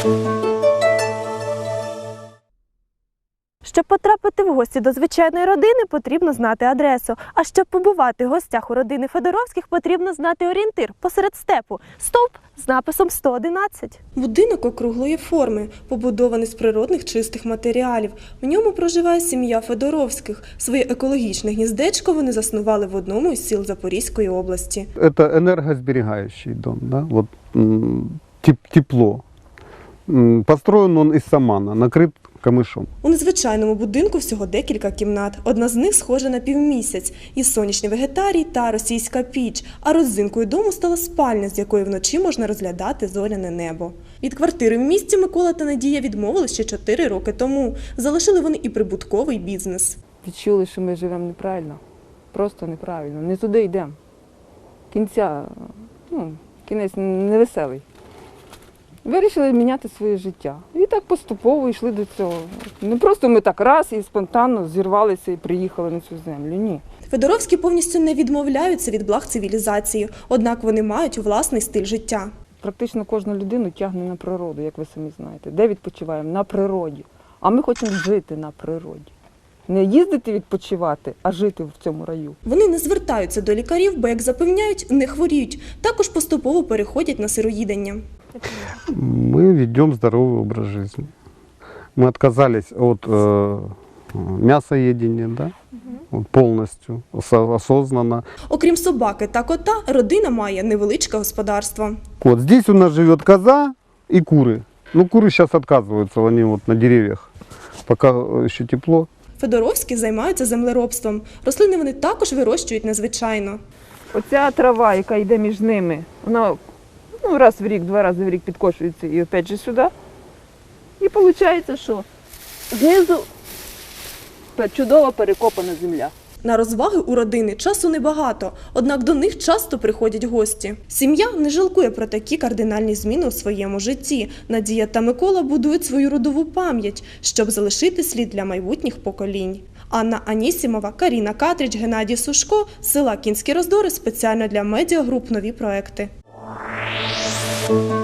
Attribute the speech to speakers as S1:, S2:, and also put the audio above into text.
S1: Щоб потрапити в гості до звичайної родини, потрібно знати адресу. А щоб побувати в гостях у родини Федоровських, потрібно знати орієнтир посеред степу – стовп з написом 111.
S2: Будинок округлої форми, побудований з природних чистих матеріалів. В ньому проживає сім'я Федоровських. Своє екологічне гніздечко вони заснували в одному із сіл Запорізької області.
S3: Це энергосберегающий дом, да? Вот, тепло. Построен он из самана, накрыт камишом.
S2: У незвичайному будинку всього декілька кімнат. Одна з них схожа на півмісяць. І сонячний вегетарій та російська піч. А родзинкою дому стала спальня, з якої вночі можна розглядати зоряне небо. Від квартири в місті Микола та Надія відмовили ще 4 роки тому. Залишили вони і прибутковий бізнес.
S4: Відчули, що ми живемо неправильно. Просто неправильно. Не туди йдемо. Кінець невеселий. Вирішили міняти своє життя. І так поступово йшли до цього. Не просто ми так раз і спонтанно зірвалися і приїхали на цю землю. Ні.
S2: Федоровські повністю не відмовляються від благ цивілізації, однак вони мають власний стиль життя.
S4: Практично кожну людину тягне на природу, як ви самі знаєте. Де відпочиваємо? На природі. А ми хочемо жити на природі. Не їздити відпочивати, а жити в цьому раю.
S2: Вони не звертаються до лікарів, бо, як запевняють, не хворіють. Також поступово переходять на сироїдення.
S3: Мы ведем здоровый образ жизни. Мы отказались от мясоедения, да? Вот полностью, осознанно.
S2: Окрім собаки та кота, родина має невеличке господарство.
S3: Вот здесь у нас живет коза и куры. Ну, куры сейчас отказываются, они вот на деревьях, пока еще тепло.
S2: Федоровські займаються землеробством. Рослини вони також вирощують незвичайно.
S4: Оця трава, яка йде між ними, вона раз в рік, 2 рази в рік підкошується і опять же сюди. І виходить, що знизу чудово перекопана земля.
S2: На розваги у родини часу небагато, однак до них часто приходять гості. Сім'я не жалкує про такі кардинальні зміни у своєму житті. Надія та Микола будують свою родову пам'ять, щоб залишити слід для майбутніх поколінь. Анна Анісімова, Каріна Катріч, Геннадій Сушко, з села Кінські Роздори спеціально для медіагруп «Нові проекти».